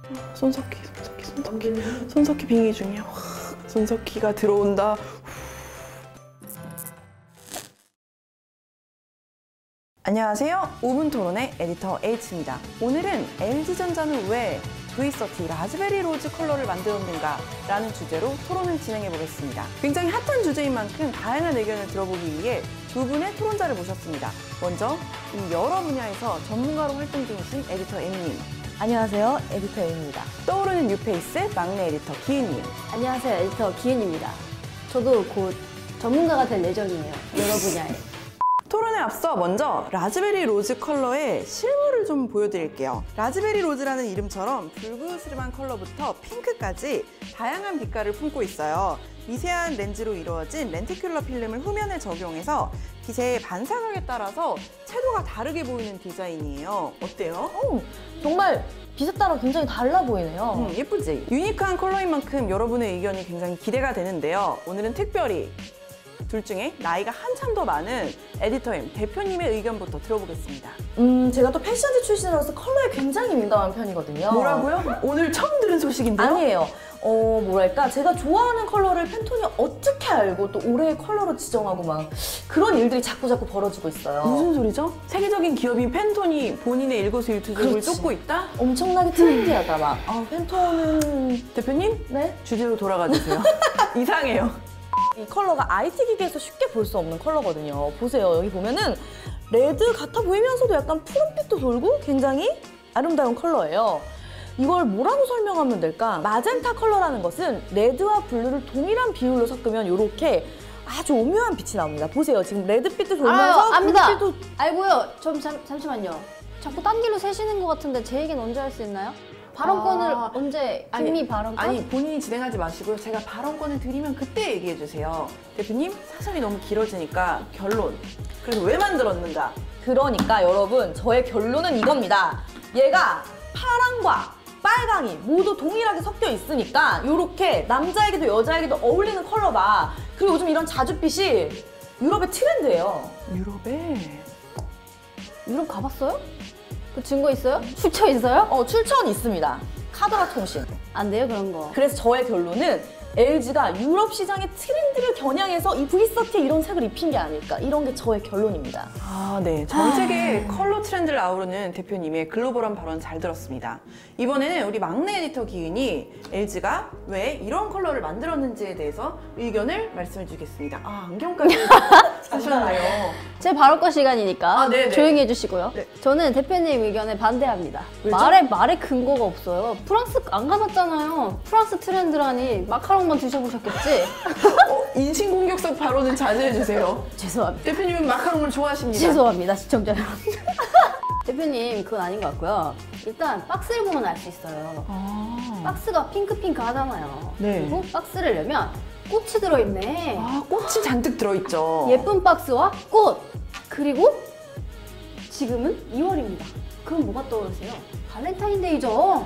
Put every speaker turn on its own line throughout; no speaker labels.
손석희 빙의 중이야. 손석희가 들어온다. 안녕하세요. 5분 토론의 에디터 H입니다. 오늘은 LG전자는 왜 V30 라즈베리 로즈 컬러를 만들었는가 라는 주제로 토론을 진행해 보겠습니다. 굉장히 핫한 주제인 만큼 다양한 의견을 들어보기 위해 두 분의 토론자를 모셨습니다. 먼저 이 여러 분야에서 전문가로 활동 중이신 에디터 M님.
안녕하세요. 에디터 M입니다.
떠오르는 뉴페이스 막내 에디터 기은님.
안녕하세요. 에디터 기은입니다. 저도 곧 전문가가 될 예정이에요. 여러 분야에.
토론에 앞서 먼저 라즈베리 로즈 컬러의 실물을 좀 보여드릴게요. 라즈베리 로즈라는 이름처럼 불그스름한 컬러부터 핑크까지 다양한 빛깔을 품고 있어요. 미세한 렌즈로 이루어진 렌티큘러 필름을 후면에 적용해서 빛의 반사각에 따라서 채도가 다르게 보이는 디자인이에요. 어때요?
정말 빛에 따라 굉장히 달라 보이네요.
예쁘지? 유니크한 컬러인 만큼 여러분의 의견이 굉장히 기대가 되는데요. 오늘은 특별히 둘 중에 나이가 한참 더 많은 에디터 M 대표님의 의견부터 들어보겠습니다.
제가 또 패션지 출신으로서 컬러에 굉장히 민감한 편이거든요.
뭐라고요? 오늘 처음 들은 소식인데요?
아니에요. 뭐랄까 제가 좋아하는 컬러를 팬톤이 어떻게 알고 또 올해의 컬러로 지정하고 막 그런 일들이 자꾸 벌어지고 있어요.
무슨 소리죠? 세계적인 기업인 팬톤이 본인의 일거수일투족을 쫓고 있다?
엄청나게 트렌디하다 막. 팬톤은...
대표님?
네?
주제로 돌아가 주세요. 이상해요.
이 컬러가 IT 기기에서 쉽게 볼 수 없는 컬러거든요. 보세요. 여기 보면은 레드 같아 보이면서도 약간 푸른빛도 돌고 굉장히 아름다운 컬러예요. 이걸 뭐라고 설명하면 될까? 마젠타 컬러라는 것은 레드와 블루를 동일한 비율로 섞으면 이렇게 아주 오묘한 빛이 나옵니다. 보세요. 지금 레드빛도 돌면서
압니다.
블루빛도...
알고요. 잠시만요. 자꾸 딴 길로 새시는 것 같은데 제 얘기는 언제 할 수 있나요? 발언권을 언제? 김미 발언권?
아니 본인이 진행하지 마시고요. 제가 발언권을 드리면 그때 얘기해 주세요. 대표님 사설이 너무 길어지니까 결론. 그래서 왜 만들었는가?
그러니까 여러분 저의 결론은 이겁니다. 얘가 파랑과 빨강이 모두 동일하게 섞여 있으니까 이렇게 남자에게도 여자에게도 어울리는 컬러다. 그리고 요즘 이런 자줏빛이 유럽의 트렌드예요.
유럽에?
유럽 가봤어요? 그 증거 있어요? 출처 있어요?
출처는 있습니다. 카더라 통신.
안 돼요 그런 거.
그래서 저의 결론은 LG가 유럽 시장의 트렌드를 겨냥해서 이 V30에 이런 색을 입힌 게 아닐까. 이런 게 저의 결론입니다.
네. 전 세계 컬러 트렌드를 아우르는 대표님의 글로벌한 발언 잘 들었습니다. 이번에는 우리 막내 에디터 기은이 LG가 왜 이런 컬러를 만들었는지에 대해서 의견을 말씀해 주겠습니다. 안경까지 사셨나요?
제 발언권 시간이니까
네네.
조용히 해주시고요.
네.
저는 대표님 의견에 반대합니다.
왜죠?
말에 근거가 없어요. 프랑스 안 가봤잖아요. 프랑스 트렌드라니 마카롱만 드셔보셨겠지?
인신공격성 발언은 자제해 주세요.
죄송합니다.
대표님은 마카롱을 좋아하십니다.
죄송합니다 시청자 여러분. 대표님 그건 아닌 것 같고요. 일단 박스를 보면 알 수 있어요. 박스가 핑크핑크 하잖아요.
네.
그리고 박스를 열면 꽃이 들어있네.
꽃이 잔뜩 들어있죠.
예쁜 박스와 꽃! 그리고 지금은 2월입니다. 그럼 뭐가 떠오르세요? 발렌타인데이죠?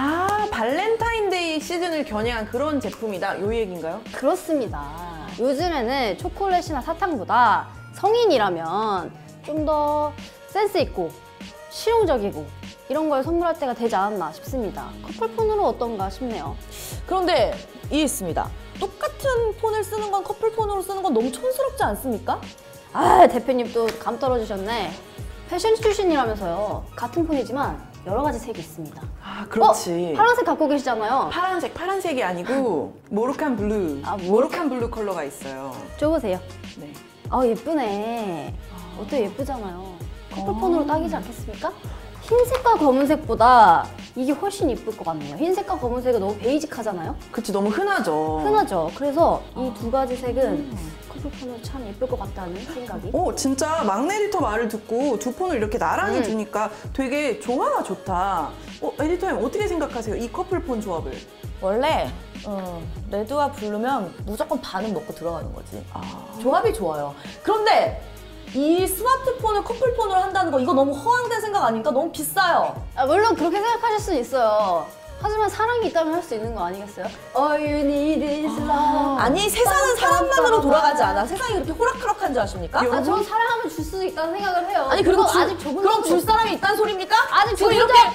발렌타인데이 시즌을 겨냥한 그런 제품이다. 요 얘기인가요?
그렇습니다. 요즘에는 초콜릿이나 사탕보다 성인이라면 좀 더 센스 있고 실용적이고 이런 걸 선물할 때가 되지 않았나 싶습니다. 커플폰으로 어떤가 싶네요.
그런데 이해 있습니다. 똑같은 폰을 쓰는 건 커플폰으로 쓰는 건 너무 촌스럽지 않습니까?
대표님 또 감 떨어지셨네. 패션 출신이라면서요. 같은 폰이지만 여러 가지 색이 있습니다.
그렇지.
파란색 갖고 계시잖아요.
파란색이 아니고 모로칸 블루. 모로칸 블루 컬러가 있어요.
줘보세요.
네.
예쁘네. 어때 예쁘잖아요. 커플폰으로 딱이지 않겠습니까? 흰색과 검은색보다 이게 훨씬 이쁠 것 같네요. 흰색과 검은색은 너무 베이직하잖아요.
그치, 너무 흔하죠.
흔하죠. 그래서 이 두 가지 색은 커플폰으로 참 예쁠 것 같다는 생각이.
진짜 막내 에디터 말을 듣고 두 폰을 이렇게 나란히 두니까 되게 조화가 좋다. 에디터님 어떻게 생각하세요? 이 커플폰 조합을?
원래 레드와 블루면 무조건 반은 먹고 들어가는 거지. 조합이 좋아요. 그런데 이 스마트폰을 커플폰으로 한다는 거 이거 너무 허황된 생각 아닙니까? 너무 비싸요.
물론 그렇게 생각하실 수 있어요. 하지만 사랑이 있다면 할 수 있는 거 아니겠어요? All you need is love.
아니 세상은 사람만으로 돌아가지 않아. 세상이 그렇게 호락호락한 줄 아십니까?
아, 전 사랑하면 줄 수 있다는 생각을 해요.
아니 그리고
아직 적응
그럼 줄 사람이 있다는 소리입니까?
아직
지금
적응
이렇게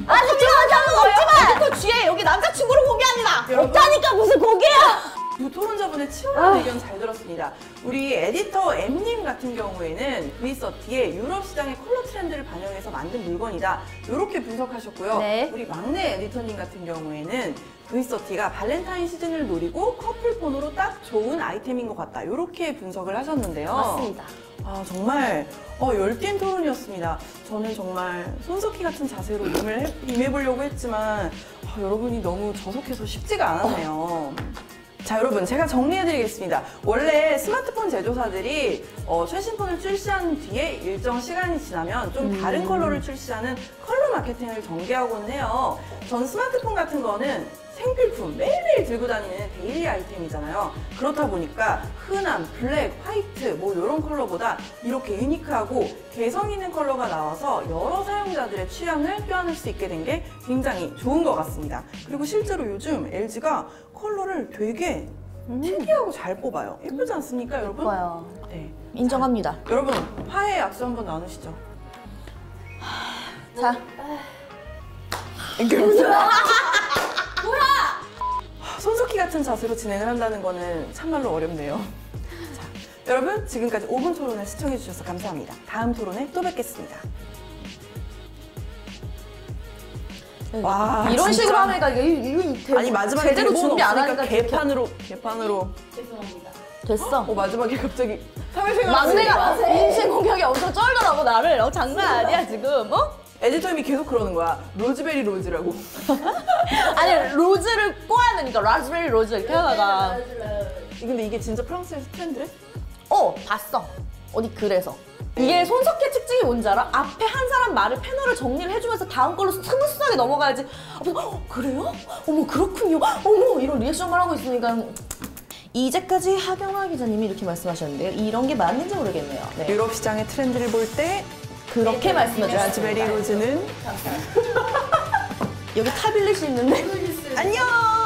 아직 지금 거예요? 에디터 뒤에 여기 남자친구를 공개합니다.
여러분.
없다니까 무슨 공개야?
두 토론자분의 치열한 의견 잘 들었습니다. 우리 에디터 M님 같은 경우에는 V30의 유럽 시장의 컬러 트렌드를 반영해서 만든 물건이다. 이렇게 분석하셨고요.
네.
우리 막내 에디터님 같은 경우에는 V30가 발렌타인 시즌을 노리고 커플폰으로 딱 좋은 아이템인 것 같다. 이렇게 분석을 하셨는데요.
맞습니다.
아, 정말 열띤 토론이었습니다. 저는 정말 손석희 같은 자세로 임해보려고 했지만 여러분이 너무 저속해서 쉽지가 않았네요. 자, 여러분, 제가 정리해드리겠습니다. 원래 스마트폰 제조사들이 최신 폰을 출시한 뒤에 일정 시간이 지나면 좀 다른 컬러를 출시하는 컬러 마케팅을 전개하곤 해요. 전 스마트폰 같은 거는 생필품, 매일매일 들고 다니는 데일리 아이템이잖아요. 그렇다 보니까 흔한 블랙, 화이트 뭐 이런 컬러보다 이렇게 유니크하고 개성 있는 컬러가 나와서 여러 사용자들의 취향을 껴안을 수 있게 된 게 굉장히 좋은 것 같습니다. 그리고 실제로 요즘 LG가 컬러를 되게 특이하고 잘 뽑아요. 예쁘지 않습니까, 여러분?
예뻐요.
네.
인정합니다.
여러분, 화해 악수 한번 나누시죠.
자,
손석희 같은 자세로 진행을 한다는 거는 참말로 어렵네요. 자, 여러분, 지금까지 5분 토론을 시청해주셔서 감사합니다. 다음 토론에 또 뵙겠습니다. 와,
이런
진짜.
식으로 하니까 이거
아니, 마지막에
제대로
대본
준비 안
없으니까
하니까
개판으로.
됐어.
마지막에 갑자기 사회생활
막내가 인신 공격이 엄청 쩔더라고 나를. 장난 아니야 지금.
에디터님이 계속 그러는 거야. 로즈베리 로즈라고.
아니 로즈를 꼬아야 되니까 라즈베리 로즈 이렇게 하다가.
근데 이게 진짜 프랑스에서 트렌드래?
봤어. 어디 글에서. 이게 손석희 특징이 뭔지 알아? 앞에 한 사람 말을 패널을 정리를 해주면서 다음 걸로 스무스하게 넘어가야지. 그래요? 어머 그렇군요. 어머 이런 리액션만 하고 있으니까. 이제까지 하경화 기자님이 이렇게 말씀하셨는데요. 이런 게 맞는지 모르겠네요. 네.
유럽 시장의 트렌드를 볼 때
그렇게 말씀해
라즈베리
주셨습니다.
로즈는
여기 타빌렛이 있는데.
안녕!